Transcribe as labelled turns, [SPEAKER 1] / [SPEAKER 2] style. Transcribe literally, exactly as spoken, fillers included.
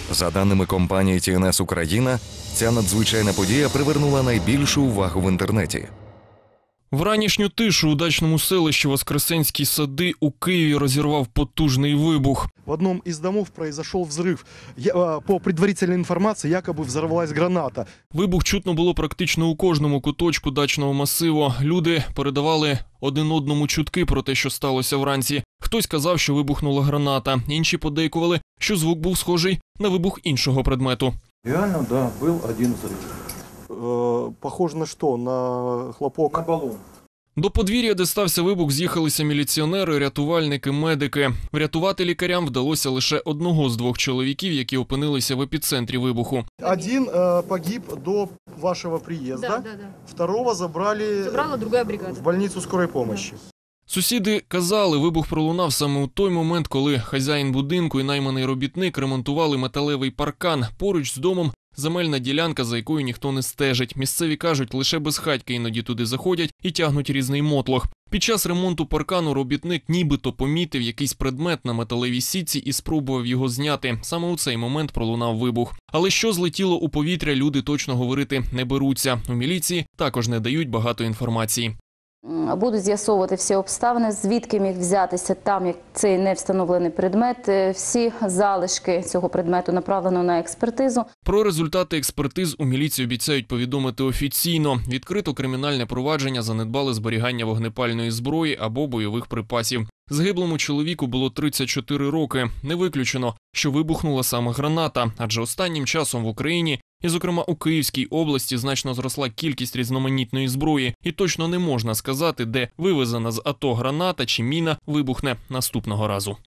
[SPEAKER 1] За даними компанії Ті Ен Ес Україна, ця надзвичайна подія привернула найбільшу увагу в інтернеті.
[SPEAKER 2] В ранішню тишу у дачному селищі Воскресенські Сади у Києві розірвав потужний вибух.
[SPEAKER 3] В одном из домов произошел взрыв. Я, по предварительной информации, якобы взорвалась граната.
[SPEAKER 2] Вибух чутно було практично у кожному куточку дачного масиву. Люди передавали один одному чутки про те, що сталося вранці. Хтось казав, що вибухнула граната. Інші подейкували, що звук був схожий на вибух іншого предмету.
[SPEAKER 4] Реально, да, был один взрыв.
[SPEAKER 3] Э, похоже на что? На хлопок?
[SPEAKER 4] На баллон.
[SPEAKER 2] До подвір'я, де стався вибух, з'їхалися міліціонери, рятувальники, медики. Врятувати лікарям вдалося лише одного з двох чоловіків, які опинилися в епіцентрі вибуху.
[SPEAKER 3] Один э, погиб до вашего приезда,
[SPEAKER 5] Да, да, да.
[SPEAKER 3] второго забрали
[SPEAKER 5] Забрала другая бригада.
[SPEAKER 3] в больницу скорой помощи.
[SPEAKER 2] Сусіди казали, вибух пролунав саме у той момент, коли хазяїн будинку і найманий робітник ремонтували металевий паркан. Поруч з домом земельна ділянка, за якою ніхто не стежить. Місцеві кажуть, лише безхатьки іноді туди заходять і тягнуть різний мотлох. Під час ремонту паркану робітник нібито помітив якийсь предмет на металевій сітці і спробував його зняти. Саме у цей момент пролунав вибух. Але що злетіло у повітря, люди точно говорити не беруться. У міліції також не дають багато інформації.
[SPEAKER 6] Будуть з'ясовувати всі обставини, звідки міг взятися там, як цей невстановлений предмет. Всі залишки цього предмету направлено на експертизу.
[SPEAKER 2] Про результати експертиз у міліції обіцяють повідомити офіційно. Відкрито кримінальне провадження за недбале зберігання вогнепальної зброї або бойових припасів. Загиблому чоловіку було тридцять чотири роки. Не виключено, що вибухнула саме граната, адже останнім часом в Україні, і зокрема у Київській області, значно зросла кількість різноманітної зброї. І точно не можна сказати, де вивезена з АТО граната чи міна вибухне наступного разу.